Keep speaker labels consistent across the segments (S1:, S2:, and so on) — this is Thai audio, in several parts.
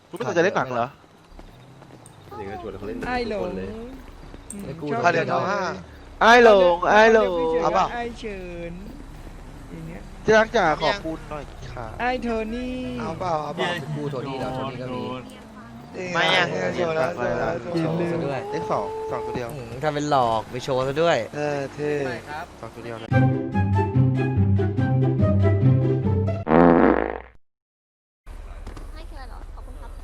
S1: คุณไม่สนใจเล่นหนังเหรอ
S2: นี่ก็ชวนเขาเล่นหนัง
S3: ไอ้หล
S2: ทุกค
S3: ง
S2: นเลย
S4: ค่าเดือนเอาห้า
S1: ไอ้หลงไอ้หลง
S4: เอาเปล่า
S3: ไอ้เฉินอย่างเงี้ย
S1: ที่รักจ๋าขอบคุณหน่อยค่ะ
S3: ไอ้โทนี่
S4: เอาเปล่าเอาเปล่า
S5: กูโทนี่เราโทนี่ก็มี
S4: ไม่อ่ะโชว์แล้วโชว์แล้วโช
S5: โช
S4: ว์
S5: ว์ซะด้วย
S1: เลขสองตัวเดียว
S5: ทำเป็นหลอกไปโชว์ซะด้วย
S4: เท่
S1: สองตัวเดียวเลย
S6: ไม่เคยหรอ ขอบคุณครับ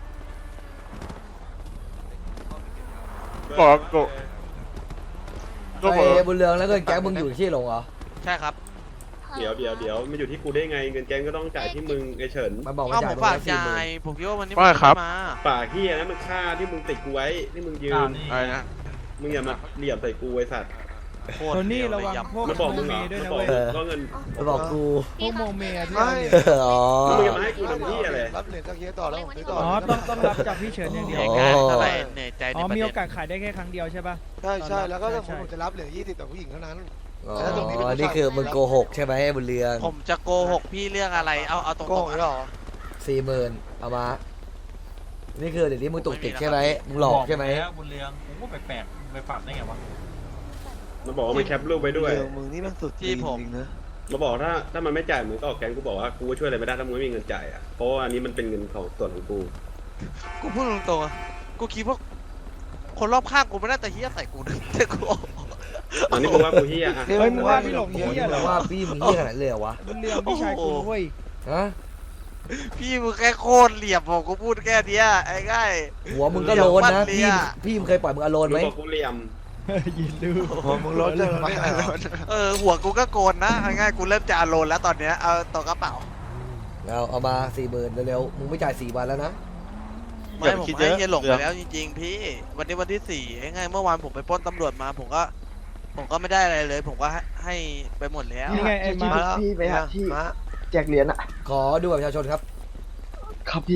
S1: บอกโก
S5: ไอ้บุญเรืองแล้วก็แก๊งมึงอยู่ที่หลงเหรอ
S7: ใช่ครับ
S2: เดี๋ยวมันอยู่ที่กูได้ไงเงินแกงก็ต้องจ่ายที่มึงไอ้เฉิน
S5: มันบอก
S7: เอ้า
S5: ว่า
S7: ผ
S5: จ่าย
S7: ม
S5: มึง
S7: ฝาก
S5: ละ40,000
S7: จ่ายผมคิดว่าวันนี้
S1: ว่าครับ
S7: มา
S2: ปากเฮียนะมันค่าที่มึงติดกูไว้ที่มึงยืม
S1: อะไรนะ
S2: มึงอย่ามาเหลี่ยมใส่กูไอ้สัตว์
S7: โค
S3: โท
S7: ตร
S3: นี่
S7: เดียว
S3: ระ
S7: เลย
S3: วัง
S7: ยับ
S3: พวก
S2: มันบอก
S3: โม
S2: มึง
S3: เม
S2: เหรอ
S3: ด้วย
S2: มัน
S3: นะ
S2: บอก
S3: เว้ย
S2: ก็เงิน
S5: มันบอกกู
S3: พวกโมเมที่
S4: ไม่
S5: อ๋อ
S2: มึงอย่ามาให้กูทำที่อะไร
S4: รับเหรียญจากเฮียต่อแล้วผมซื้อต่อ
S3: อ๋อต้องรับจากพี่เฉินอย่างเดียว
S7: เหนื่อยงานเท่าไหร่เหนื่อยใจ
S3: อ๋
S7: ใน
S3: อ
S7: ประ
S3: มี
S7: เด็
S3: โอน กาสขายได้แค่ครั้งเดียวใช่ป่ะ
S4: ใช่แล้วก็
S3: ใช่
S4: ผมจะรับเหรียญ20ต่อผู้หญิงเท่านั้น
S5: อ๋อ
S4: แล้วตรงนี้เป็นผู้ชาย
S5: นี่คือมึงโกหกใช่ไหมไอ้บุญเรือง
S7: ผมจะโกหกพี่เรื่องอะไร เอาตรง
S4: โกง
S7: ๆ
S4: หรอ
S5: 40,000เอามา นี่คือเดี๋ยวนี้มึงตุกติกใช่ไหมมึงหลอกใช่ไหม
S8: บุญเรืองผมก็แปลกๆไปปรับได้ไงวะ
S2: มันบอกว่ามันแคปรูปไว้ด้วย
S4: มึงนี่มันสุดจริงนะ
S2: มาบอกถ้ามันไม่จ่ายมึงก็ออกแกงกูบอกว่ากูก็ช่วยอะไรไม่ได้ถ้ามึงไม่มีเงินจ่ายอ่ะเพราะว่าอันนี้มันเป็นเงินของส่วนของกู
S7: กูพูดตรงๆอะกูคิดว่าคนรอบข้างกูไม่น่าจะเฮี้ยใส่กูนะแต่กู
S2: อันนี้มึงว่ากูเฮียอ่ะ
S3: เฮ้ยมึงว่าพี่หลงเหี้ยเหรอ
S5: ว่าพี่มึงเหี้ยขนาดนั้นเลยเหรอวะ
S3: บุญเรืองพี่ชายกูเว้ย
S5: ฮะ
S7: พี่มึงแค่โคตรเหลี่ยมผมกูพูดแค่เนี้ยไอ้ง่าย
S5: หัวมึงก็โลนนะ
S7: เดี๋ยววันเนี้ย
S5: พี่มึงเคยปล่อยมึงอโลน
S2: มึ
S5: ไหม
S2: งบอกกูเหลี่ยม
S3: ยินดู
S4: มึงลดเลยไม่ได้
S7: หัวกูก็โกนนะเอาง่ายกูเริ่มจะอารมณ์แล้วตอนเนี้ยเอาต่อกระเป๋า
S5: เอามา40,000เร็วๆมึงไม่จ่าย4 วันแล้วนะ
S7: ไม่ผมให้เฮียหลงไปแล้วจริงๆพี่วันนี้วันที่4ไอ้ง่ายเมื่อวานผมไปปล้นตำรวจมาผมก็ไม่ได้อะไรเลย ผมก็ให้ไปหมดแล้ว
S3: นี่ไงไอ้มา
S4: มาแล้วพี่ไปหาที่แจกเหรียญอ่ะ
S5: ขอดูบัตรประชาชนครับ
S4: ครับพี่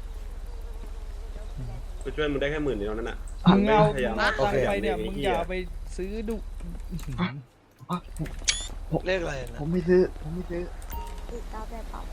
S2: กูช่วยมึงได้แค่10,000เดียวนั่นน่ะ
S3: มึงเอา
S2: พยายาม
S3: ตังค์ไปเนี่ย
S2: โอเค
S3: มึงอย่าไปซื้อดุ
S4: เลขอะไรนะ
S9: ผมไม่ซื้อ ผมไม่ซื้อ
S6: อีก9แบบเปล่า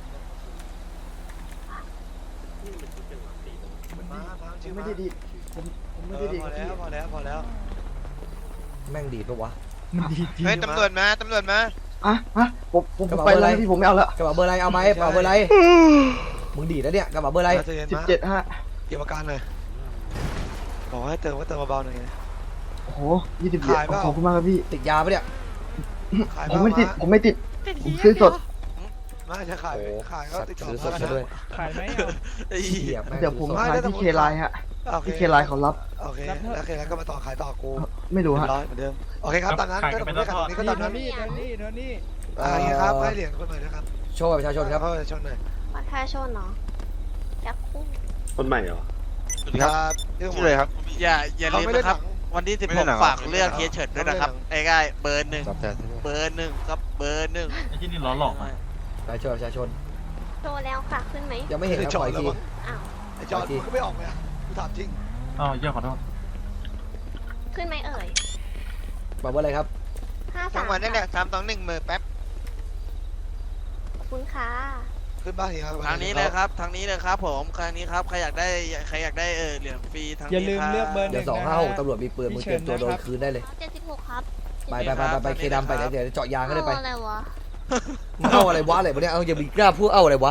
S9: ผมไม่ได้ดีดผมไม่ได้ดีด
S4: พอแล้วพอแล้วพอแล้ว
S5: แม่งดีดปะวะ
S3: มันดีจริง
S4: เฮ้ยตำรวจมาตำรวจมา
S9: อ่ะผม
S5: กระเป๋า
S9: ไป
S5: เบอร์อะไร
S9: แล้วพี่ผมไม่เอาแล้ว
S5: กระเป๋าเบอร์อะไรเอาไหมกระเป๋าเบอร์อะไรมึงดีดแล้วเนี่ยกระเป๋าเบอร์อะไร
S9: 17.5
S4: เก็บอาการหน่อยบอกให้เติมก็เติมเบาๆหน่อย
S9: โอ้โห20 เหรียญ
S4: ขายเปล่า
S9: ขอบคุณมากครับพี่
S5: ติดยาปะเนี่ย
S4: ขาย
S9: ผมไม่ติด ผมไม่ติด ผมซื้อสด
S4: ไม่จะขาย
S5: โอ้
S4: ขายก็ติดต่อ
S5: ซื้อสด
S4: มา
S5: ซะด้วย
S3: ขายไหม
S7: ไอ้
S5: เหี้ยแม่ง
S9: เดี๋ยวผม
S5: ซื้อส
S9: ขายที่เคไลน์ฮะ
S4: โอเค
S9: ที่เคไลน์เขารับ
S4: โอเคแล้วเคแล้วก็มาต่อขายต่อกู
S9: ไม่รู้ฮะ
S4: ร้อยเหมือนเดิมโอเคครับตามนั้นก็ผมไม่ขายตรงนี้ก็
S3: นี่
S4: ตาม
S3: โท
S4: นั้น
S3: นี่โทนี่โทนี่
S4: อย่างเงี้ยครับให้เหรียญคนหน่อยนะครับ
S5: โชว์บัตรประชาชนครับ
S4: เข้าชนหน่อย
S6: บัตรประชาชนเนาะจักคู่
S2: คนใหม่เหรอ
S4: ครับเรื่อง
S1: ชื่ออะไรครับ
S7: อย่า
S4: เขา
S7: ลืม
S4: ไม่ได้
S7: นะค
S4: ห
S7: รั
S4: นั
S7: บ
S4: ง
S7: วันที่
S1: ไม่ได้หนัง
S7: 16ฝากเลือกเฮียเฉิดด้วยนะครับ
S4: ไม่ได้หนัง
S7: ไอ้ง่ายเบอร์
S1: ตอบแทนใช่ไหม
S7: 1เบอร์ 1ครับเบอร์ 1
S8: ไอ้ที่นี่ล้อหลอกอะ
S5: บัตรประชาชน
S6: โชว์แล้วค่ะขึ้นไหม
S5: ยังไม่เห็นครับ
S4: จ
S5: ป
S4: อ
S5: ล่
S4: ด
S5: อย
S4: แล้ว
S5: ที
S4: มั้ง
S6: อ้าว
S4: ไอ้จอดมึงก็ไม่ออกเลยกูถามจริง
S8: อ้าวเยี่ยขอโทษ
S6: ขึ้นไหมเอ่ย
S5: กระเป๋าเบอร์อะไรครับ
S6: 53
S4: จังหวะนั่นแหละ321มือแป๊บ
S6: ขอบคุณค่ะ
S4: ขึ้นบ้านอีกครับ
S7: ทางนี้เลยครับทางนี้เลยครับผมทางนี้ครับใครอยากได้เหรียญฟรีทาง
S3: อย่า
S7: นี้
S3: ลืม
S7: ครับ
S3: เลือกเบอร์
S5: เดี๋ยว
S3: 1 นะฮะ
S5: 256ตำรวจมีปืนมึงเตรียมตัวโดนคืนได้เลย
S6: 76ครับ
S5: ไปเคดำไปเดี๋ยวเจาะยางก็ได้ไป
S6: เอาอะไรวะ
S5: มึงเอาอะไรวะอะไรวะเนี่ยเอาอย่ามีกล้าพูดเอาอะไรวะ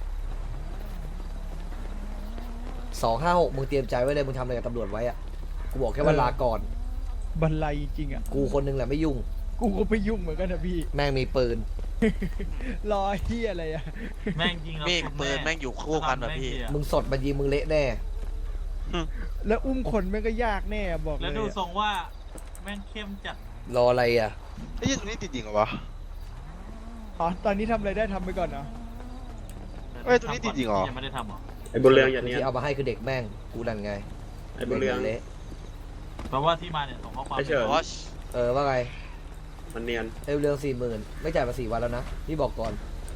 S5: 256มึงเตรียมใจไว้เลยมึงทำอะไรกับตำรวจไว้อะกูบอกแค่ว่าลาก่อน
S3: บันไลจริงอ่ะ
S5: กูคนนึงแหละไม่ยุ่ง
S3: กูก็ไปยุ่งเหมือนกันนะพี่
S5: แม่งมีปืน
S3: รอเฮียอะไรอ่ะ
S8: แม่งยิงเรา
S7: มีดปืนแม่งอยู่คู่กันแบบพี่
S5: มึงสดมันยิงมึงเละแน่
S3: แล้วอุ้มคนแม่งก็ยากแน่บอกเล
S8: แล้ว
S3: ย
S8: ดู
S3: อะ
S8: ทรงว่าแม่งเข้มจัด
S5: รออะไรอ่ะ
S1: ไอ้ยี่ตรงนี้ติดจริงเหรอวะ
S3: อ๋อตอนนี้ทำอะไรได้ทำไปก่อนเนาะ
S1: เอ้ยตรงนี้ติดจริงเหรอ
S8: ยังไม่ได้ทำหรอ
S2: ไอ้บุญเรืองอย่างเนี้ย
S5: ที่เอามาให้คือเด็กแม่งกูนั่นไง
S2: ไอ้บุญเรือง
S5: เละ
S8: แปลว่าที่มาเนี่ยส่งข้อความ
S2: ไอ้เฉิน
S5: ว่าไง
S2: มันเนียน
S5: เรื่อง40,000ไม่จ่ายมา4 วันแล้วนะพี่บอกก่อน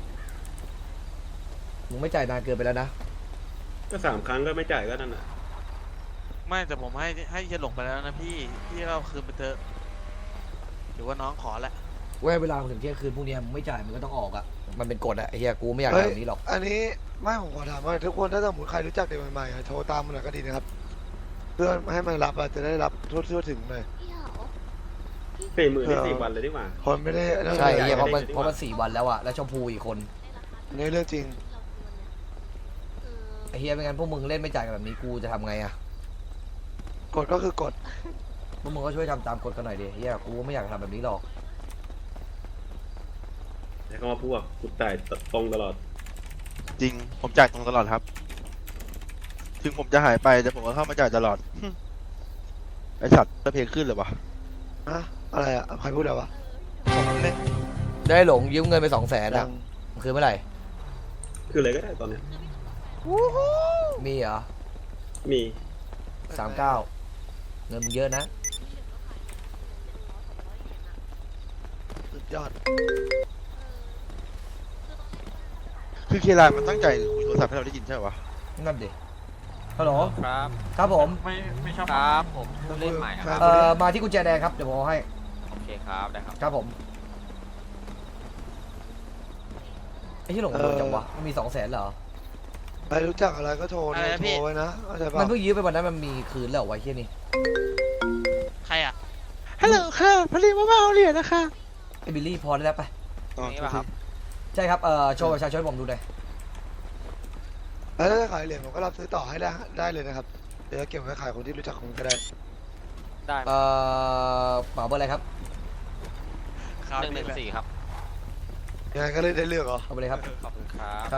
S5: มึงไม่จ่ายนานเกินไปแล้วนะ
S2: ก็3 ครั้งก็ไม่จ่ายก็นั่นน่ะ
S7: ไม่แต่ผมให้เฮียหลงไปแล้วนะพี่เราคืนไปเถอะหรือว่าน้องขอแหละ
S5: เวลาถึงเที่ยงคืนพรุ่งนี้มึงไม่จ่ายมึงก็ต้องออกอ่ะมันเป็นกฎอ่ะไอ้เฮียกูไม่อยาก
S4: เฮ้ย
S5: ทำแบบนี้หรอก
S4: อันนี้ไม่ผมขอถามว่าทุกคนถ้าสมมติใครรู้จักเด็กใหม่ๆอะโทรตามมันหน่อยก็ดีนะครับเพื่อให้มันรับอะจะได้รับทั่วถึงหน่อย
S6: พี่เหรอ
S2: 40,000นี่4 วันเลยดีกว่า
S4: คนไม่ได้
S5: ใช่
S2: ใหญ่
S5: เฮียเพราะมัน
S2: ได้
S5: เพราะมัน4 วันแล้วอะแล้วชมพูอีกคน
S4: นี่เรื่องจริง
S5: ไอ้เฮียไม่งั้นพวกมึงเล่นไม่จ่ายกันแบบนี้กูจะทำไงอะ
S4: กฎก็คือกฎ
S5: พวกมึงก็ช่วยทำตามกฎกันหน่อยดิเฮียกูไม่อยากทำแบบนี้หรอก
S2: แล้วก็มาพวกกูจ่ายตรงตลอด
S1: จริงผมจ่ายตรงตลอดครับ ถึงผมจะหายไปแต่ผมก็เข้ามาจ่ายตลอด ไอสัตว์จะเพลงขึ้นเลยวะ
S4: อะอะไรอะใครพูดอะไรวะ
S5: ได้หลงยืมเงินไป200,000อะคือเมื่อไหร่
S2: คืออะไรก็ได้ตอนเนี้ย
S5: มีเหรอ
S2: มี
S5: 39เงินมึงเยอะนะ
S4: สุดยอด
S1: คือเคลายมันตั้งใจคุยโทรศัพท์ให้เราได้ยินใช่ปะ
S5: นั่นดิฮัลโหล
S10: ครับ
S5: ครับผม
S8: ไม่ชอบ
S10: ครับผมผู้เล่นใหม่ครับ
S5: มาที่กุญแจแดงครับเดี๋ยวผมเอาให้
S10: โอเคครับได้ครับ
S5: ครับผมไอ้ที่หลงโดนจังวะมันมี200,000เหรอ
S4: ใครรู้จักอะไรก็โทร
S7: อะไรนะพี่
S4: โทรไว้นะเข้าใจ
S5: มั
S4: ป่ะ
S5: นเพิ่งยืมไปวันนั้นมันมีคืนแล้วเหรอวะไอ้เฮียนี่
S7: ใครอ่ะ
S1: ฮัลโหลค่ะพอดีว่ามาเอาเหรียญนะคะ
S5: ไอ้บิลลี่พอได้แล้วไป
S1: อ๋อ
S10: นี่ป่ะครับ
S5: ใช่ครับโชว์ประชาชนให้ผมดูหน่อย
S4: แล้วถ้าจะขายเหรียญผมก็รับซื้อต่อให้ได้เลยนะครับเดี๋ยวจะเก็บไว้ขายคนที่รู้จักผมก็ได้
S10: ได้
S5: เป๋าเบอร์อะไรครับ
S10: 114ครับ
S4: ยังไงก็เลยได้เลือกเหรอ
S5: เอาไปเลยครับ
S10: ขอบคุณครับ
S5: ครับ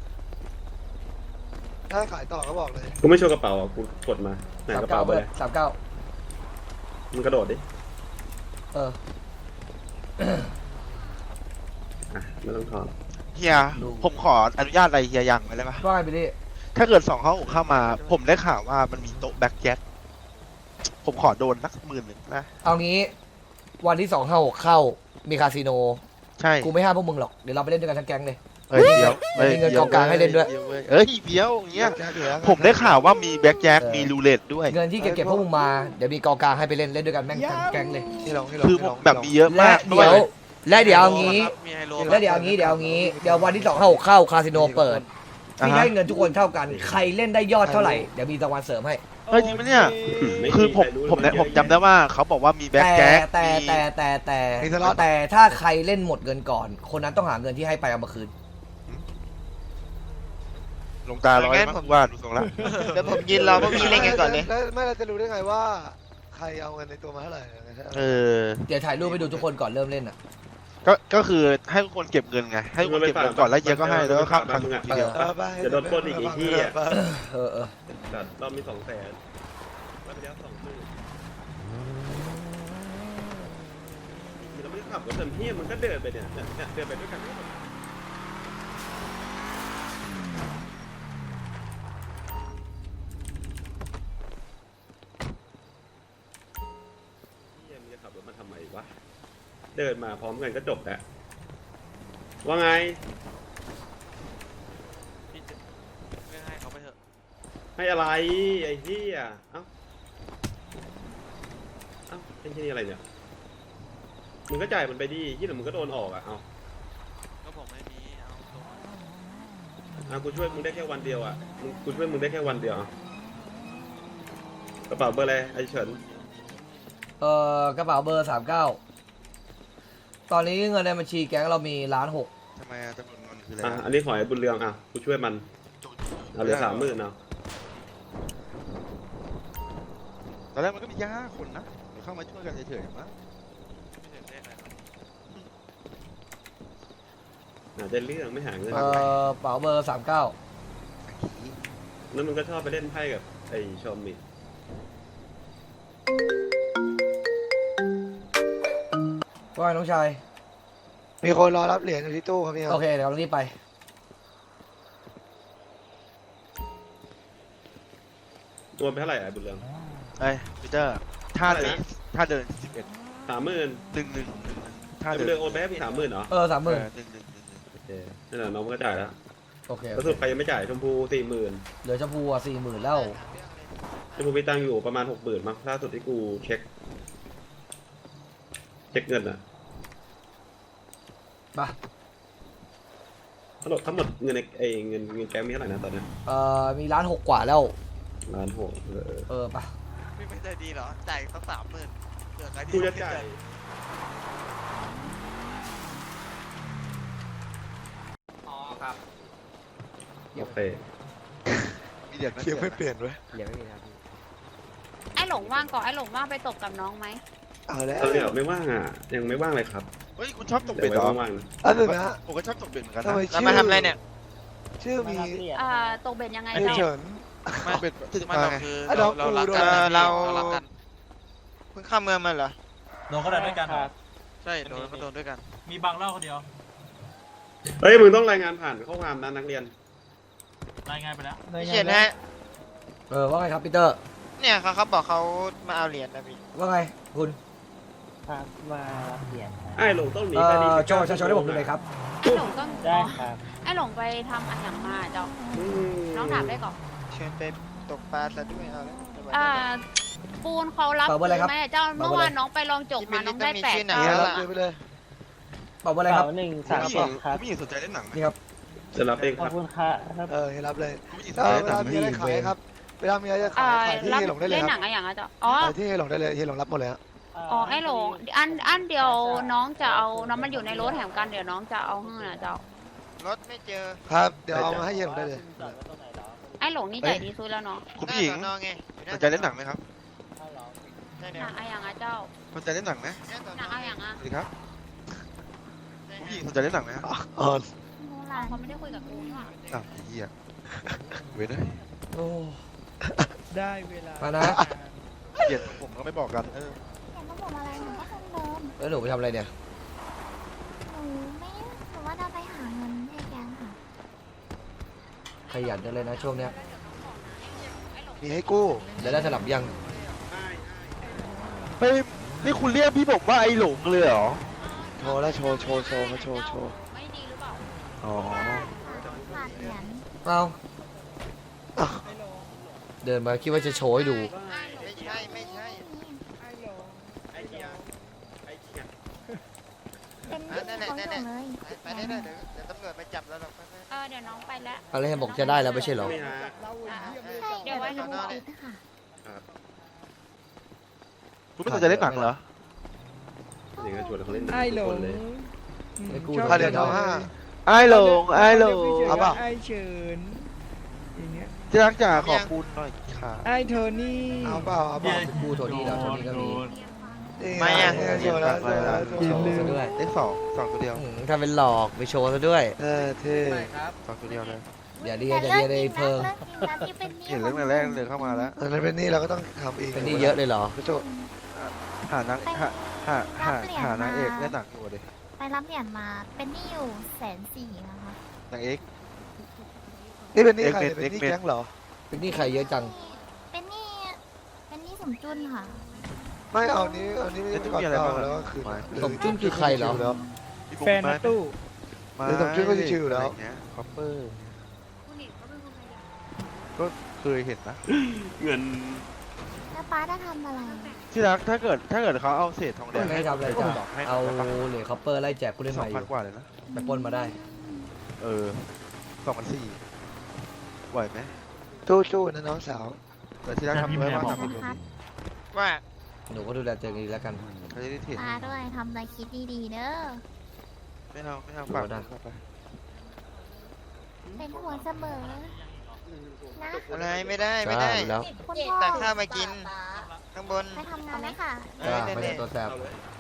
S4: ถ้าขายต่อก็บอกเลย
S2: กูไม่โชว์กระเป๋าอ่ะกูกดมาไหนกระเป๋า
S5: 39
S2: ไป
S5: เบอ
S2: เล
S5: ร์
S2: ย
S5: 39
S2: มึงกระโดดดิ
S5: เออ
S2: อ่ะไม่ต้องถอน
S1: เฮียผมขออนุญาตอะไรเฮียยังไปเลยปะ
S5: ว่าไงบิลลี่
S1: ถ้าเกิด256เข้ามา ผมได้ข่าวว่ามันมีโต๊ะแบ็คแจ็คผมขอโดนสัก10,000นะ
S5: เอางี้วันที่256เข้ามีคาสิโน
S1: ใช่
S5: กูไม่ห้ามพวกมึงหรอกเดี๋ยวเราไปเล่นด้วยกันทั้งแก๊งเลย
S1: เอ้ยเดี๋ยว
S5: มีเงินกองกลางให้เล่นด้วย
S1: เอ้ยเดี๋ยวอย่างเงี้ย
S4: แจ็คอยู่แล้ว
S1: ผมได้ข่าวว่ามีแบ็คแจ็คมีรูเล็ตด้วย
S5: เงินที่เก็บพวกมึงมาเดี๋ยวมีกองกลางให้ไปเล่นด้วยกันแม่งทั้งแก๊งเลย
S4: ที่ลอง
S1: คือผมแบบมีเยอะ
S5: และ
S1: มาก
S5: เดี๋ยวและเดี๋ยวเอางี้
S7: มีไฮโล
S5: แล้วเดี๋ยวเอางี้เดี๋ยววันที่256เข้าคาสิโนเปิดพี่ให้เงินทุกคนเท่ากันใครเล่นได้ยอดเท่าไหร่เดี๋ยวมีรางวัลเสริมให้
S1: เฮ้ยจริงไหมเนี่ย
S2: ไม่
S1: คือผม
S2: ใรู้
S1: ผมเนี่ย
S2: เย
S1: ผ
S2: อะ
S1: มจำได้ว่าเขาบอกว่ามีแบ็คแจ็ค
S5: แต่
S1: มี
S5: แต่ถ้าใครเล่นหมดเงินก่อน คนนั้นต้องหาเงินที่ให้ไปเอามาคืน
S1: ลงตาร้อยมากว่าดูทรงละ
S4: เดี๋ยวผมยินเราพวกพี่เล่นกันก่อนเลยไม่เราจะรู้ได้ไงว่า ใครเอาเงินในตัวมาเท่าไหร่
S1: เออ
S5: เดี๋ยวถ่ายรูปไปดูทุกคนก่อนเริ่มเล่นอ่ะ
S1: ก็คือให้ทุกคนเก็บเงินไง ให้ทุกคนเก็บเงินก่อนแล้วเฮียก็ให้แล้วก็ข้ามครั้งทีเดียว
S2: จะโดนปล้นอีกไอ้เหี้ย
S5: เออ
S2: แต่รอบมี200,000แล้วไปแล้ว20,000เราไม่ได้ขับรถเต็มที่มันก็เดินไปเนี่ยเดินไปด้วยกันเหี้ยมึงจะขับรถมาทำไมวะเดินมาพร้อมกันก็จบแล้วว่าไง
S7: พี่จะไม่ให้เขาไปเถอะ
S2: ให้อะไรไอ้เหี้ยเอ้าเป็นที่นี่อะไรเนี่ยมึงก็จ่ายมันไปดิที่เหลือมึงก็โดนออกอ่ะเอา
S7: ก็ผมไม่มีเอาตรงมา
S2: กูช่วยมึงได้แค่วันเดียวอ่ะกูช่วยมึงได้แค่วันเดียวอ่ะกระเป๋าเบอร์อะไรไอ้เฉิน
S5: กระเป๋าเบอร์39ตอนนี้เงินในบัญชีแก๊งเรามี1.6 ล้าน
S1: ทำไมจำนวนเงินคืออะไร
S2: อ่ะอันนี้ขอให้บุญเรืองอ่ะกูช่วยมันเอาเหลือ30,000เอา
S1: ตอนแรกมันก็มีแค่5 คนนะเดี๋ยวเข้ามาช่วยกันเฉยๆมั้ง
S7: ไม่ถึงเลขอะไรครับ
S2: หาได้เรื่องไม่หาเงิน
S5: กระเป๋าเบอร์39
S2: แล้วมึงก็ชอบไปเล่นไพ่กับไอ้ชอมมิ
S5: ว่าไงน้องชาย
S4: มีคนรอรับเหรียญอยู่ที่ตู้ครับพี่ครั
S5: โอบ เคเดี๋ยวเรารีบไป
S2: รวมไปเท่าไหร่อ่ะบุญเรือง
S1: เอ้ยพีเตอร์ท่าเดินท่าเดิน11
S2: 30,000
S1: ท่า
S2: ไอ้
S1: เดิ
S2: บุญเรืองโอนไปให้พี่30,000เหรอ
S5: 30,000
S2: โอเคนั่นแหละน้องมันก็จ่ายแล้ว
S5: โอเค
S2: แล้วสุดใครยังไม่จ่ายชมพู40,000
S5: เหลือชมพูอ่ะ40,000แล้ว
S2: ชมพูมีตังค์อยู่ประมาณ60,000มั้งล่าสุดที่กูเช็คเงินอ่ะ
S5: มา
S2: ทั้งหมดเงินในเงินแก๊งมีเท่าไหร่นะตอนเนี้ย
S5: มีล้านหกกว่าแล้ว
S2: 1,600,000
S5: ปะ
S7: พี่ไม่ใจดีเหรอ จ่ายสัก30,000เผื่อใครที่
S2: กูจะจ่าย
S10: อ๋อครับ
S2: โอเค
S1: มีเด็กนะ
S4: เคียงไม่เปลี่ยนเว้ย
S5: ยังไม่มีนะครับพี่
S6: ไอ้หลงว่างก่อนไอ้หลงว่างไปตกกับน้องไหม
S4: เอาแล้ว
S2: ตอนนี้ไม่ว่างอ่ะยังไม่ว่างเลยครับ
S1: เฮ้ยคุณชอบตก
S2: เดี๋
S1: เบ็
S2: ย
S1: ด
S2: ว
S1: เหรอ
S2: ไว้ว่างๆนะ
S4: อันหนึ่งนะ
S1: ผมก็ชอบตกเบ็ดเหมือนกัน
S4: ทำ
S1: นะ
S4: ไม
S7: แล้ว
S4: ชื่อ
S7: มาทำอะไรเนี่ย
S4: ชื่อมี
S6: ตกเบ็ดยังไง
S4: เอ
S6: เจ้า
S4: เฉิน
S1: ไม่เบ็ดถึง
S7: ไม่
S1: มา
S7: เรา
S1: ไง
S7: คือ
S4: อ่ะ
S7: เรารักกัน
S4: เรา
S7: เรารักกันเพิ่งข้ามเมืองมาเหรอ
S8: โดนก็ได้ด้วยกันเหรอ
S7: ใช่โดนก็โดนด้วยกัน
S8: มีบางเล่าคนเดียว
S2: เฮ้ยมึงต้องรายงานผ่านข้อความนะนักเรียน
S8: รายงานไปแล้ว
S7: พี่เขียนฮะ
S5: ว่าไงครับปีเตอร์
S7: เนี่ยเขาบอกเขามาเอาเหรียญนะพี่
S5: ว่าไงคุณ
S2: ไอ้หลงต้องหนี
S5: โช
S2: คดี
S5: ว์ประชาชนให้ผมดูเลยครับ
S6: ไอ้หลงต้องไอ้หลงไปทำอะไรอย่างมาเจ้าน้องถามได้ก่อน
S7: เชิญไปตกปลาซะด้วยเอาแล้ว
S6: ปูนเขารับ
S5: เปล่าเบอร์อะไรครับ
S6: ไหมเจ้าเมื่อวานน้องไปลองจกมาน้องได้8
S7: ที่ไหน
S4: เนี่ย
S6: เก้า
S4: รับเลยไปเลย
S5: บอกว่าอะไรครับ
S1: คุณผู้หญิงสนใจเล่นหนังไหม
S5: นี่ครับ
S2: จะรับเองครับ
S4: ให้รับเลย
S1: คุณผู้หญิงส
S4: เอน
S1: ใจ
S4: อ
S1: เล่น
S4: เว
S1: หนั
S4: ลาง มีอะไรขายครับเวลามีอะไรจะขายขายที่
S6: รับ
S4: เฮหลงได้เลย
S6: เล่น
S4: ค
S6: หนั
S4: รับ
S6: งอะไรอย่างเจ้าอ๋อ
S4: ขายที่เฮหลงได้เลยเฮหลงรับหมดเลยฮะ
S6: อ๋อไอ้หลงอันเดียวน้องจะเอาน้องมันอยู่ในรถแถมกันเดี๋ยวน้องจะเอาให้นะเจ้าร
S7: ถไม่เจอ
S4: ครับเดี๋ยวเอามาให้เฮหลงได้เลย
S6: ไอ้หลงนี่ใจดีสุดแล้วเนาะ
S1: คุณผู้หญิง
S7: น้าสอนอไง
S1: สนใจเล่นหนังไหมครับ
S7: ใช่
S6: ห
S7: เนี่ย
S6: นังอะไรอย่างเจ้า
S1: สนใจเล่นหนังไหม
S6: หนังอะไรอย่าง
S1: สวัสดีครับคุณผู้หญิงสนใจเล่นหนังไหมครับ
S4: อ๋อ
S6: เขาไม่ได้คุยกับกูนี่หว่า
S1: อ้าวไอ้เหี้ยเว้ยนะ
S5: โอ้
S3: ได้เวลา
S5: มานะ
S1: เกลียดผมก็ไม่บอกกัน
S6: แต่ต้องบอกอะไรหนูก็คนเดิม
S5: แล้วหนูไปทำอะไรเนี่ย
S6: หนูว่าเราไปหาเงินให้แกค่ะ
S5: ขยันจังเลยนะช่วงเนี้ย
S4: มีให้กู้
S5: เดี๋ยวได้สลับยัง
S1: เฮ้ยนี่คุณเรียกพี่ผมว่าไอ้หลงเลยเหรอ
S4: โชว์แล้วโชว์เขาโชว์
S6: ไม่ดีหรือเปล่า
S1: อ๋อ
S6: ขาดเหรียญ
S5: เอาเดินมาคิดว่าจะโชว์ให้ดู
S7: ไม่ใช่ไม่ใช่
S6: เป็น
S7: นั่นแหละ
S6: ของ
S7: นั่น
S6: ห
S7: แห
S6: นู
S7: ละ
S6: เลย
S7: ไปได้เลยเดี๋ยวตำรวจไปจับแล้วหรอก
S6: เดี๋ยวน้องไปแล้ว
S5: อะไรให้บอกจะได้แล้วไม่ใช่เหรอ
S2: ไม่ฮะ
S6: เดี๋ยวไว้หนู
S7: สอนอเลย
S6: ปิดค่ะ
S1: คุณไม่สนใจเล่นหนังเหรอ
S2: อย่างนั้นชวนเขาเล่นหนัง
S3: ไอ้หล
S2: ทุกค
S3: ง
S2: นเลย
S5: ไอ้กู
S3: ชอบ
S4: ค่าเหรียญทองห้า
S1: ไอ้หลงไอ้หลง
S4: เอาเปล่า
S3: ไอ้เฉินอย่างเงี้ย
S1: ที่รักจ๋าขอบคุณหน่อยค่ะ
S3: ไอ้โทนี่
S4: เอาเปล่าเอาเปล่า
S5: กูโทนี่แล้วโทนี่ก็มี
S7: ไม่อะ
S4: โชว์แล้วโชว์แล้วโช
S5: โช
S4: ว์
S5: ว์ซะด้วย
S1: เลขสองตัวเดียว
S5: ถ้าเป็นหลอกไปโชว์ซะด้วย
S4: เท่
S1: สองตัวเดียวเลย
S5: อย่าเรียนอย่าเรียนเลยเพิ่ง
S6: ที่เป็น
S1: เห็นเรื่องแรกเลยเข้ามาแล้ว
S4: อันนั้นเป็นหนี่เราก็ต้องทำเอง
S5: เป็นหนี่เยอะเลยเหรอ
S4: โชว์
S1: หานางหานางเอกเล่นหนังอยู่ดิ
S6: ไปรับเหรียญมาเป็นหนี้อยู่140,000นะคะ
S1: นางเอก
S4: นี่เป็นหนี่ใคร
S1: เอ็กเมน
S4: เป็นหนี่
S1: เอ็กเมน
S4: แก๊งเหรอ
S5: เป็นหนี่ใครเยอะจัง
S6: เป็นหนี้สมจุนค่ะ
S4: ไม่เอานี้ไม่ได้ก่อนเก่าแล้วก็คือ
S5: สมจุ้นคือใครเหรอ
S3: แฟนนะตู้
S4: หรือสมจุ้นก็ชิวๆแล้ว
S1: คอปเปอร์ก็เคยเห็นนะ
S2: เงิน
S6: แล้วป้าจะทำอะไร
S1: ที่รักถ้าเกิดเขาเอาเศษทองแดง
S5: ไม่ให้ทำอะไรจ้ะเอาเหรียญคอปเปอร์ไล่แจกผู้เล่น
S1: ส
S5: ให
S1: อ
S5: ม่
S1: ง
S5: อ
S1: พัน
S5: ยู่
S1: กว่าเลยนะ
S5: ไปปล้นมาได้
S1: 2,400ไหวไหม
S4: จู้ๆนะน้องสาว
S1: แต่ที่รักทำไว้ว่าทำเป็น
S6: นะคะ
S7: ว่า
S5: หนูก็ดูแลตัวเองดีแล้วกัน
S1: เขาจะได้เถียง
S6: ป้าด้วยทำอะไรคิดดีๆเด้อ
S1: ไม่เอาฝากไป
S6: เป็นห่วงเสมอ นะ
S7: อะไรไม่ได้ไม่
S5: จ้า
S7: ได้
S5: ดูแล้ว
S6: คุณพ่อ
S7: ตักข้าวมากิน ข้างบน
S6: ไปทำงานไหมค่ะ
S5: จ้าไม่ได้ตัวแสบ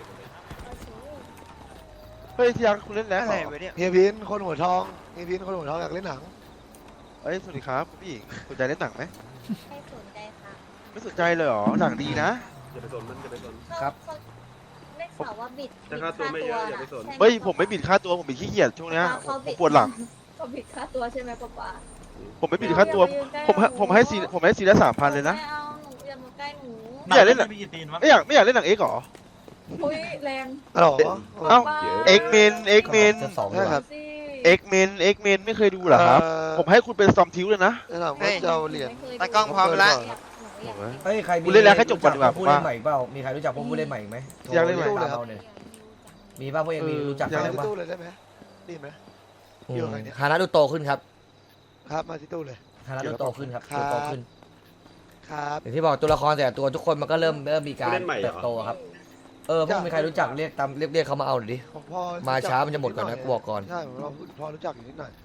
S1: เฮ้ยที่รักคุณเล่นแล้ว
S7: อะไรวะเนี่ย
S4: เฮียพินคนหัวทองเฮียพินคนหัวทองอยากเล่นหนัง
S1: เอ้ยสวัสดีครับคุณผู้หญิงสนใจเล่นหนังไหม
S6: ไม่สนใจค่ะ
S1: ไม่สนใจเลยเหรอหนังดีนะ
S2: อย่าไปสนมันอย่าไปสน
S5: ครับ
S6: ได้ข่าวว่าบิด
S2: แต่ค่าตัวไม่เยอะอย่าไปสน
S1: เฮ้ยผมไม่บิดค่าตัวผมบิดขี้เกียจช่วงเนี้ยผมปวดหลัง
S6: เขาบิดค่าตัวใช่ไหมป๊า
S1: ผมไม่บิดค่าตัวผมให้ซีละ3,000เลยนะ
S6: ไม่เอาหนูอย่ามาใกล้หนู
S1: ไม่อยากเล่นหนัง
S8: มีกี่ตีนวะ
S1: ไม่อยากเล่นหนังเอ็กซ์หรอ
S6: อุ้ยแรง
S4: อ๋อ
S1: เอ้าเอ็กเมน
S5: จะสอง
S4: ใช่
S5: ดีก
S4: ครั
S5: ว่า
S4: บ
S1: เอ็กเมนไม่เคยดูเหรอครับ ผมให้คุณเป็นซอมทิวเลยนะ
S4: แล้วถามว่าจะเอาเหรียญ
S7: ตากล้องพร้อมละ
S5: เฮ้ยใครมี
S1: กูเล่นแล้วแค่จบก่อนดีกว่า
S5: ผู้เล่นใหม่เปล่ามีใครรู้จักพวกผู้เล่นใหม่อีกไหม
S1: อยากเล่นใหม่
S5: โทรตามเราเนี่ยมีป่ะพวกเองมีรู้จัก
S4: อยาก
S5: ใคร
S4: เล่น
S5: บ้าง
S4: ตู้เลยได้ไหมดีไหมอยู่กับใครเนี่ย
S5: ฮานะดูโตขึ้นครับ
S4: ครับมาที่ตู้เลย
S5: ฮานะดูโตขึ้นครับ
S4: ครับ
S5: ดูโตขึ้น
S4: ครับ
S5: อย่างที่บอกตัวละครแต่ละตัวทุกคนมันก็เริ่มมีการเติบโตครับพวกมีใครรู้จักเรียกตามเรียกเขามาเอาหน่อยดิ
S4: ผมพอ
S5: มาช้ามันจะหมดก่อนนะกูบอกก่อน
S4: ใช่ผมพอรู้จักอยู่นิดหน่อย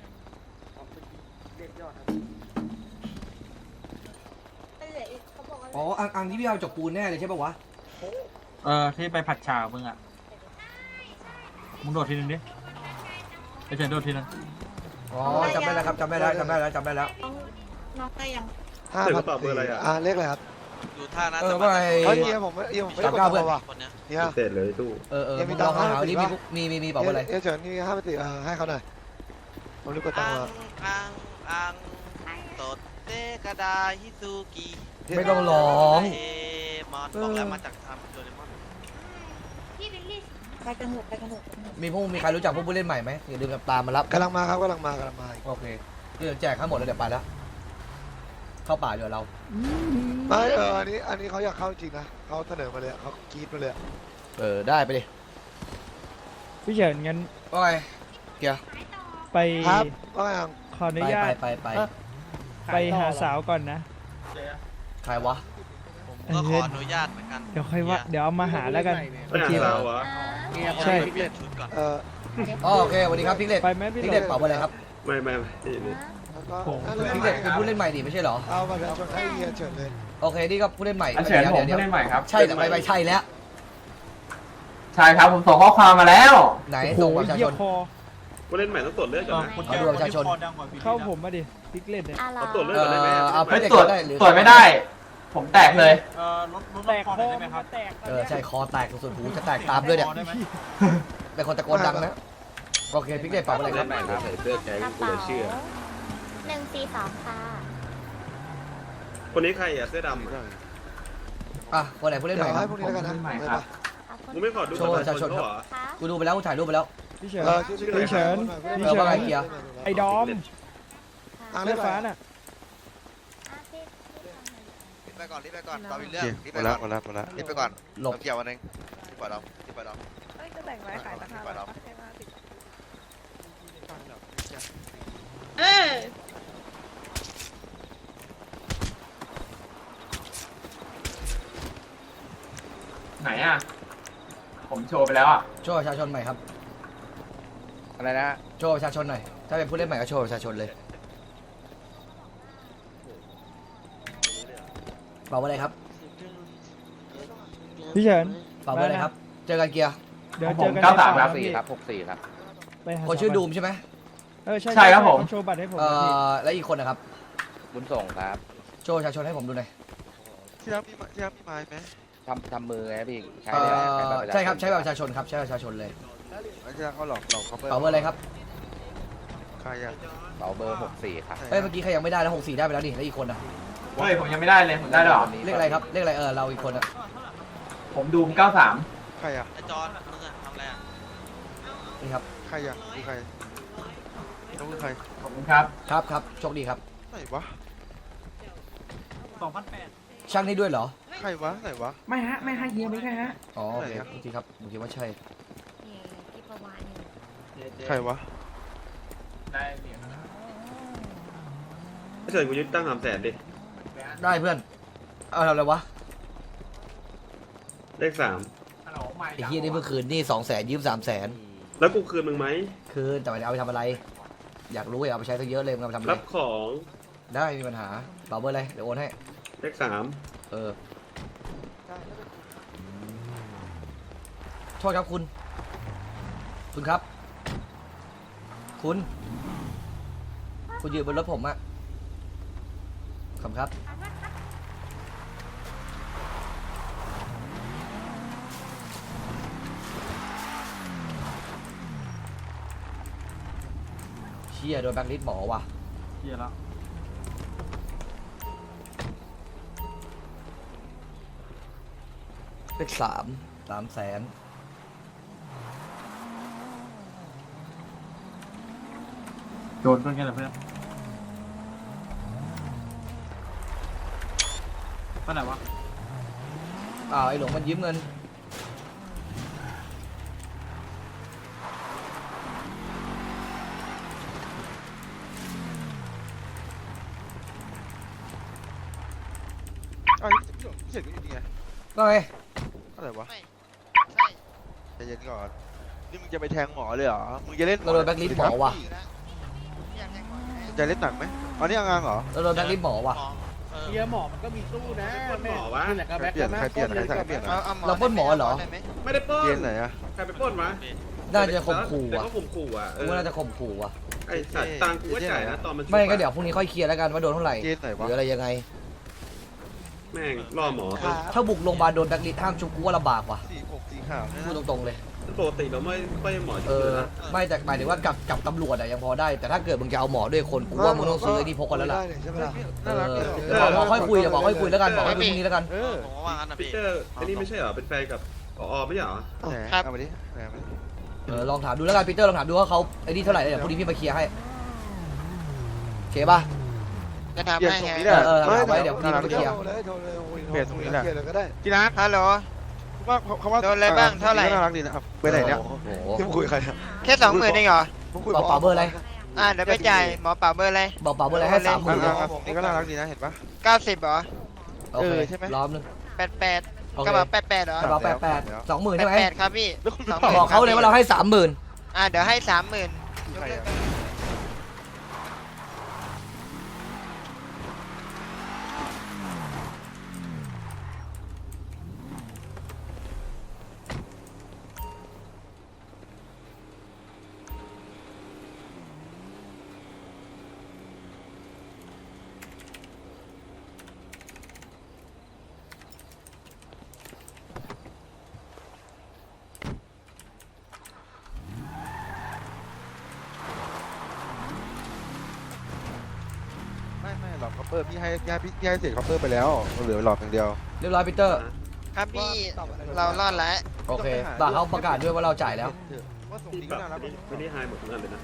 S5: อ๋ออังที่พี่เอาจกปูนแน่เลยใช่ปะวะ
S8: ที่ไปผัดฉามึงอ่ะ มึงโดดทีนึงดิไอ้เฉินโดดทีนึง
S5: อ๋อจำได้แล้วครับจำได้แล้วจำได้แล้วจำได้แล้ว
S6: น้องได้ยัง
S4: 5,000
S2: เดี๋ยวมาตอบเบอร์อะไรอ่ะ
S4: เลขอะไรครับ
S7: ดูท่านะ
S5: ว่าไง
S4: เฮ้ยเฮียผมไม่ได้กดตัวว่ะ
S7: คนเนี้ย
S4: เฮีย
S2: เสร็จเลยตู้
S4: ยังมี
S5: มึง
S4: ตั
S5: ล
S4: ง
S5: อง
S4: ค์
S5: หา
S4: 50
S5: นี่
S4: ปะ
S5: มีบอกว่าอะไร
S4: เฉินนี่5,000ให้เขาหน่อยผมรีบกดตังค์มา
S7: อังโตเตกระดาฮิซูกิ
S5: ไม่ต้องร้อง
S7: เอมอนบอกแล้วมาจากทำโดเรมอน
S6: พี่วิลลี่ไปกันเถอะไปกันเถอะ
S5: มีใครรู้จักพวกผู้เล่นใหม่ไหมอย่าลืมตามมารับ
S4: กำลังมาครับกำลังมา
S5: โอเคเดี๋ยวแจกทั้งหมดแล้วเดี๋ยวไปแล้วเข้าป่าเดี๋ยวเรา
S4: ไม่อันนี้เขาอยากเข้าจริงนะเขาเสนอมาเลยเขากรี๊ดมาเลย
S5: ได้ไปดิ
S3: พี่เฉินงั้น
S5: ว่าไงเกียร์
S3: ไป
S4: ครับว่าไงอ่ะ
S3: ขออนุญาต
S5: ไป
S3: ไปหาสาวก่อนนะ
S5: ใครวะ
S7: ผมก็ขออนุญาตเหมือนกัน
S3: เดี๋ยวค่อยว่าเดี๋ยวเอามาหาแล้วกัน
S2: ไม่หาสาววะ
S3: ใช่
S7: เปลี่ยนชุดก่อน
S5: โอเคสวัสดีครับพิกเล็ต
S3: ไปไหมพี่
S5: พิกเล็ตเป่าอะไรครับ
S2: ไม่นี่
S4: แล้วก็
S5: พิกเล็ตเป็นผู้เล่นใหม่ดิไม่ใช่เหรอ
S4: เอามาแล้วชนให้เฮียเฉินเลย
S5: โอเคนี่ก็ผู้เล่นใหม่
S10: อันเฉินผมผู้เล่นใหม่ครับ
S5: ใช่แต่ไม่ใช่แล้ว
S10: ใช่ครับผมส่งข้อความมาแล้ว
S5: ไหน
S3: โอ้โห
S5: ส่งประชา
S3: เยี่
S5: ช
S3: ย
S5: น
S3: คอ
S2: ผู้เล่นใหม่ต้องตรวจเลือดก่อนนะ
S5: เอาดูประชาชน
S3: เข้าผมมาดิพิกเล็ตเนี่ย
S2: เอาตรวจเลือดก่อนได้ไหม
S5: เอา
S10: ไม่
S5: พิกเล็ต
S10: ตรวจ
S5: ได้หรือ
S10: ตรวจไม่ได้ ผมแตกเลย
S8: รถ
S3: แตก
S8: คอ
S3: คอ
S8: ได้ไหมครับ
S3: แตก
S5: ใช่คอแตกสุดหูจะแตกตามด้วยเนี่ย
S8: ได้ไหม
S5: เป็นคนตะโกนดังนะโอเคพิกเล็ตเป่าอะไรครับ
S2: ใส่เสื้อแก๊งกูเลยเชื่อ
S6: 142ค่ะ
S2: คนนี้ใครอ่ะเสื้อดำอ่ะ
S5: คนไหนผู้เล่น
S4: เดี๋
S5: ให
S4: ย
S5: ม่
S4: ว
S5: ค
S4: ให้
S5: รับ
S4: พวกนี้แล้วกันนะ
S10: ใหม่
S4: ไป
S10: ครับ
S4: ปะ
S2: มึงไม่ขอดูบัตรประชาชนเขาเหรอ
S6: คะ
S5: กูดูไปแล้วกูถ่ายรูปไปแล้ว
S3: พี่เฉิน
S2: ชื่ออะไร
S3: พี่เฉิน
S5: ว่าไงเกียร์
S3: ไอ้ดอม
S4: อ่าง
S3: เลื
S4: เลื
S3: อ
S4: อ
S3: ด
S4: ด
S3: ฟ้า
S4: ฟ้า
S3: น่ะ
S7: รีบไปก่อนต่อวิล
S1: โอ
S7: เลีย
S1: เค
S7: มรีบ
S1: หม
S7: ไป
S1: ดแล้
S7: ก่
S1: ว
S7: อน
S1: หมดแล้วหมดแล้ว
S7: รีบไปก่อน
S5: หลบ
S7: เกี่ยววันนึงรีบไปดอมรีบไปดอม
S6: จะแต่งไว้ขายราคา
S7: รีบไปดอม
S10: ไหนอ่ะ ผมโชว์ไปแล้วอ่ะ
S5: โชว์ประชาชนใหม่ครับ
S10: อะไรนะ
S5: โชว์ประชาชนหน่อย ถ้าเป็นผู้เล่นใหม่ก็โชว์ประชาชนเลยเป่าอะไรครับ
S3: พี่เฉิน
S5: เป่าอะไรครับ เจอกันเกียร์
S3: เดี๋ยว
S10: ของ
S3: เจ
S10: ผ
S3: อ
S10: ม
S3: กัน
S10: 93
S3: ใน
S10: ครับ
S3: ป่าพี่
S10: 64ครับ
S3: ไปหา
S5: คนชื่อดูมใช่ไหม
S3: ใช่
S10: ใช่ครับผม
S3: โชว์บัตรให้ผม
S5: แล้วอีกคนนะครับ
S10: บุญส่งครับ
S5: โชว์ประชาชนให้ผมดูหน่อย
S1: ที่รับพี่ไม้ไหม
S10: ทำมือไงพี่ ใช้
S5: ใช่ครับ ใช้แบบประชาชนครับ ใช้แบบประชาชนเลย
S1: ไม่ใช่เขาหลอกเขา
S5: เป่าเบอร์อะไรครับ
S1: ใครอ่ะ
S10: เป๋าเบอร์ 64 ครับ
S5: เอ้ย เมื่อกี้ใครยังไม่ได้แล้ว64ได้ไปแล้วนี่แล้วอีกคนอ่ะ
S10: เฮ้ย ผมยังไม่ได้เลย ผมได้แล้วเหรอ
S5: เลขอะไรครับ เลขอะไรเราอีกคนอ่ะ
S10: ผมดูม 93
S1: ใครอ่ะ
S7: ไอจอนมึงอะทำอะไรอะ
S5: นี่ครับ
S1: ใครอ่ะคือใครต้องคือใคร
S10: ขอบคุณครับ
S5: ครับโชคดีครับ
S1: ไหนวะ
S8: 2,800
S5: ช่างนี่ด้วยเหรอ
S1: ใครวะไหนวะ
S9: ไม่ฮะ ไม่ฮะเฮียไม่ใช่ฮะ
S5: อ๋อโอเค
S1: ไหนครับ
S5: บางทีครับบางทีว่าใช่
S6: ที่ประมาณนี้
S1: ใครวะ
S10: ได้เหรียญ
S2: ถ้าเฉินกูยึดตั้ง300,000ดิ
S5: ได้เพื่อน เอาทำอะไรวะ
S2: เลข
S5: ไอ้เฮียนี่เมื่อคืนนี่200,000ยืม300,000
S2: 3แล้วกูคืนมึงไหม
S5: คืนแต่ไม่ได้เอาไปทำอะไร อยากรู้อยากเอาไปใช้ซะเยอะเลยมึงเอาไปทำอะไร
S2: รับของ
S5: ได้ไม่มีปัญหาเป่าเบอร์อะไรเดี๋ยวโอนให้
S2: เลข3
S5: โทษครับคุณ คุณครับ คุณยืนบนรถผมอะขอบคุณครับเชี่ยโดนแบงค์ลิสต์หมอว่ะ
S8: เหี้ยแล้ว
S5: เลข300,000
S8: โดนเพื่อนกันเหรอเพื่อนไปไหนวะ
S5: ไอ้หลงมันยืมเงิน
S1: อ้าวเสร็จก็อยู่นี่ไง
S5: ก็ไง
S1: อะไรวะ
S7: ไม่
S1: ใจเย็นก่อนนี่มึงจะไปแทงหมอเลยเหรอมึงจะเล่น
S5: เราโดนแบ็คลิสต์หมอว่ะ
S1: จะเล่นหนังไหมอ๋อนี่งานเหรอ
S5: เราโดนแบ็คลิสต์หมอว่ะ
S3: เฮียหมอมันก็มีตู้นะ
S2: ปล้นหมอวะ
S3: นี่แหละก็แบ็ค
S1: เปลี่ยน
S3: นะ
S1: ใครเปลี่ยนใครสั่งเปลี่ยน
S5: เราปล้นหมอเหรอ
S2: ไม่ได้ปล้น
S1: เปลี่ยนไหนอะ
S2: ใครไปปล้นวะ
S5: น่าจะข่มขู่
S2: แต่
S5: ว่ะ
S2: ก็ข่มขู่อ่ะ
S5: กูว่าน่าจะข่มขู่ว่ะ
S2: ไอสัตว์ตังค์กูก็จ่ายนะตอนมันชุบ
S5: ไม่ก็
S2: อะ
S5: เดี๋ยวพรุ่งนี้ค่อยเคลียร์แล้วกันว่าโดนเท่าไหร่
S1: เกณฑ์ไหน
S5: ห
S1: วะ
S5: รืออะไรยังไง
S2: แม่งล่อหมอ
S5: ถ้าบุกโรงพยาบาลโดนแบ็คลิสต์ห้ามชุบกูว่าลำบากว่ะ
S1: สีผมสีขาวเนี่ย
S5: พูด
S1: นะ
S5: ตรงๆเลย
S2: ปกติเราไม่หมอ
S5: เอ
S2: ชุบ
S5: อ
S2: นะ
S5: ไม่แต่หมายถึงว่ากับตำรวจอะยังพอได้ แต่ถ้าเกิดมึงจะเอาหมอด้วยคนกูว่ามึงต้องซื้อไอ้ที่พกกันแล้วล่ะ
S4: ได้ใช่ไหมล่ะ
S5: เอ
S1: น่ารัก
S5: อ
S1: เลย
S5: เดี๋ยวบอกค่อยคุยเดี๋ยวบอกค่อยคุยแล้วกันบอกให้คุยพรุ่งนี้แล้วกัน
S1: เออ
S7: ผมก็ว่างั้นนะ
S2: พี
S7: พี่
S2: เตอร์อันนี้ไม่ใช่เหรอเป็นแฟนกับผอไม่ใช่เหรอ
S1: ไหน
S7: ครับ
S1: เอามาดิไหนเอามาดิ
S5: ลองถามดูแล้วกันปีเตอร์ลองถามดูว่าเขาไอ้นี่เท่าไหร่แล้วเดี๋ยวพรุ่งนี้พี่ไปเคลียร์ให้โอเคป่ะ
S7: จะทำ
S1: เปลี่ยน
S7: ให้
S1: ตรง
S7: ไง
S1: นี้แหละ
S5: ไว้เดี๋ยวพรุ่งนี้ไปเคลียร์
S4: โทรเลยโทรเลยโอ้ย
S1: เปลี่ยนตรงนี้แหละ
S4: เปลี่ยนเลยก็ได้
S1: พี่นัท
S7: ฮัลโหล
S1: ว่าเขาว่า
S7: โดนอะไรบ้างเท่าไหร่
S1: น่ารักดีนะครับไปไหนเนี่ย
S5: โอ้โห
S4: ที่มึงคุยกับใครอะ
S7: แค่20,000เองเหรอ
S4: มึงคุย
S5: บอกเปล่าเบอร์อะไร
S7: เดี๋ยวไปจ่ายหมอเป่าเบอร์อะไร
S5: บอกเปล่าเบอร์อะไรให้30,000
S1: นี่ก็น่ารักดีนะเห็นปะ
S7: 90เหรอ
S5: โอเค
S1: ใช่ไหม
S5: รอบนึง
S7: 88
S5: โอเค
S7: กระเป๋า88เหรอก
S5: ระเป๋า88 20,000ใช่ไหม
S7: 88ครับพี่
S1: แล้วคุณ
S7: 20,000
S5: บอกเขาเลยว่าเราให้30,000
S7: เดี๋ยวให้ 30,000
S1: ใครอะ ไม่หลอดคัพเปอร์พี่ให้เศษคัพเปอร์ไปแล้วเหลือหลอดอย่างเดียว
S5: เรียบร้อยปีเตอร์
S7: ครับพี่เรารอดแล้ว
S5: โอเคบ่าเขาประกาศด้วยว่าเราจ่ายแล้ว
S1: ว่าส่ง
S2: พี่
S1: ดี
S2: ป
S1: ก็
S2: รับ
S1: น่ารัก
S2: ไม่ได้ไฮหมดทุกอันเลยนะ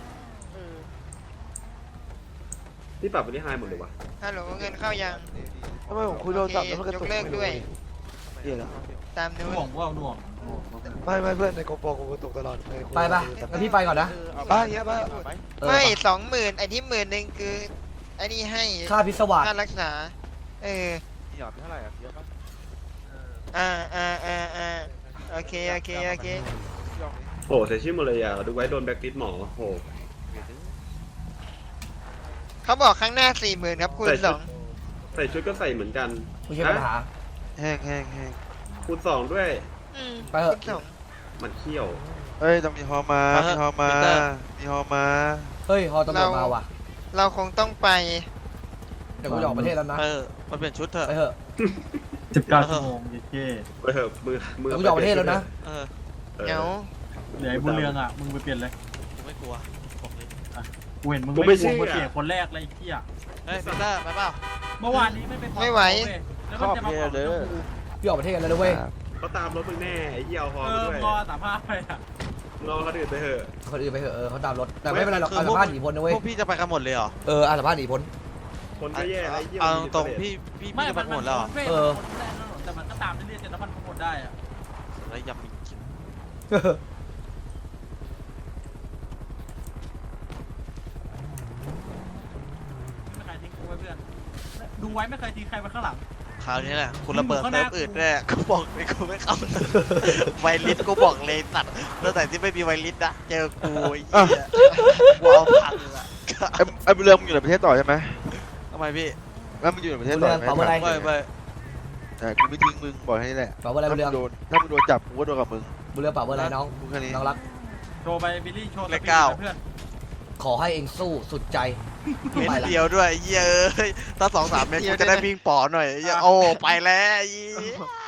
S2: พี่ปรับไม่ได้ไฮหมดเลยวะ
S7: ฮัลโหลเงินเข้ายัง
S4: ทำไมผมคุยโทรศัพท์แล้วมันกระตุก
S7: ยกเลิกด้วย
S4: เหี้ยแล้ว
S7: ตามนู้
S8: หน่วง
S7: น
S8: ว่าหน่วง
S4: ไม่เพื่อนในโกโปรกูกระตุกตลอดในคุย
S5: ไปป่ะงั้นพี่ไปก่อนนะ
S4: บ้าเงี้ยบ้า
S5: เออ
S7: ไม่20,000ไอ้ที่10,000คือไอ้นี่ให้
S5: ค่าพิศวาส
S7: ค่ารักษา
S1: หยอดเท่าไหร่อ่ะเยอะปะ
S7: โอเค
S2: โอ้เสียชื่อหมดเลยอ่ะดูไว้โดนแบ็คลิสต์หมอโห
S7: เขาบอกข้างหน้า 40,000ครับคูณ
S2: ใส่ชุดก็ใส่เหมือนกัน
S5: ไม่ใช่ปัญหา
S1: แห้ง
S2: คูณ2ด้วย
S5: ไปเถอะ
S7: คูณ2
S2: มันเขี้ยว
S1: เอ้ยต้องมีฮอมามีฮอมามีฮอมา
S5: เฮ้ยฮอตำรวจมาว่ะ
S7: เราคงต้องไป
S5: เดี๋ยวกูจะออกประเทศแล้วนะ
S7: มาเปลี่ยนชุดเถอะ
S5: ไปเถอะ
S8: 19 ชั่วโมงเย้
S2: ไปเถอะมือ
S5: เดี๋ยวกูจะออกประเทศแล้วนะ
S7: เดี๋ยว
S8: เดี๋ยวไอ้บุญเรืองอ่ะ มึงไปเปลี่ยนเลย
S7: ไม่กลัวบอกเลย
S8: กูเห็นมึงไม่กลัวมึงเปลี่ยนคนแรกเลยไอ้เหี้ย
S7: เฮ้ยพีเตอร์ไปเปล่า
S8: เมื่อวานนี้ไม่ไปขอ
S7: ไม่ไหว
S8: แล้วมันจะมาขอเรื่องกู
S5: พี่ออกประเทศกันแล้วนะเว้ย
S2: เขาตามรถมึงแน่ไอ้เหี้ยเอาฮอมาด้วย
S8: พอ35ไปอ่ะ
S2: รอเขาดื่นไปเถอะ
S5: คนอื่นไปเถอะเขาตามรถแต่ไม่เป็นไรหรอกอาสาพาหนีพ้นนะเว้ย
S7: พวกพี่จะไปกันหมดเลยเหรอ
S5: อาสาพาหนีพ้น
S2: คนก็แย่ไอ้เหี้ย
S7: เอาตรงๆพี่จะไปหมดแล้วเหรอ
S5: เออ
S8: แต่มันก็ตามเรื่อยๆจนแล้วมันหมดได้อ่ะ
S7: แล้วยำมีกิน
S8: ไม่เคยทิ้งกูไว้เพื่อน ดูไว้ไม่เคยทิ้งใครไว้ข้างหลัง
S7: คราวนี้แหละคุณระเบิดเซิร์ฟอื่นด้วยกูบอกเลยกูไม่เข้าไวลิสกูบอกเลยตัดตั้งแต่ที่ไม่มีไวลิสนะเจอกูไอ้เหี้ยกูเอาพังละ
S1: ไอ้บุญเรืองมึงอยู่ในประเทศต่อใช่ไหม
S7: ทำไมพี่
S1: แล้วมึงอยู่ในประเทศต่อ
S5: เปล่าอะไร
S7: ไม่
S1: กูไม่ทิ้งมึงบอกให้แหละ
S5: เปล่าอะไรบุญเรือง
S1: ถ้ามึงโดนจับกูก็โดนกับมึง
S5: บุญเรืองเปล่าอะไรน้อง
S1: กูแค่นี้
S5: น้องรัก
S8: โชว์ไปบิลลี่โชว์ส
S7: เลข
S8: ปีด
S7: เก้า
S8: เพื่อน
S5: ขอให้เองสู้สุดใจ
S7: เม็ด
S5: ไปละ
S7: เดียวด้วยไอ้เหี้ยเอ้ยถ้า2-3 เม็ดกูจะได้วิ่งป๋อหน่อยไอ้เหี้ยโอ้ไปแล้วไอ้เหี้ย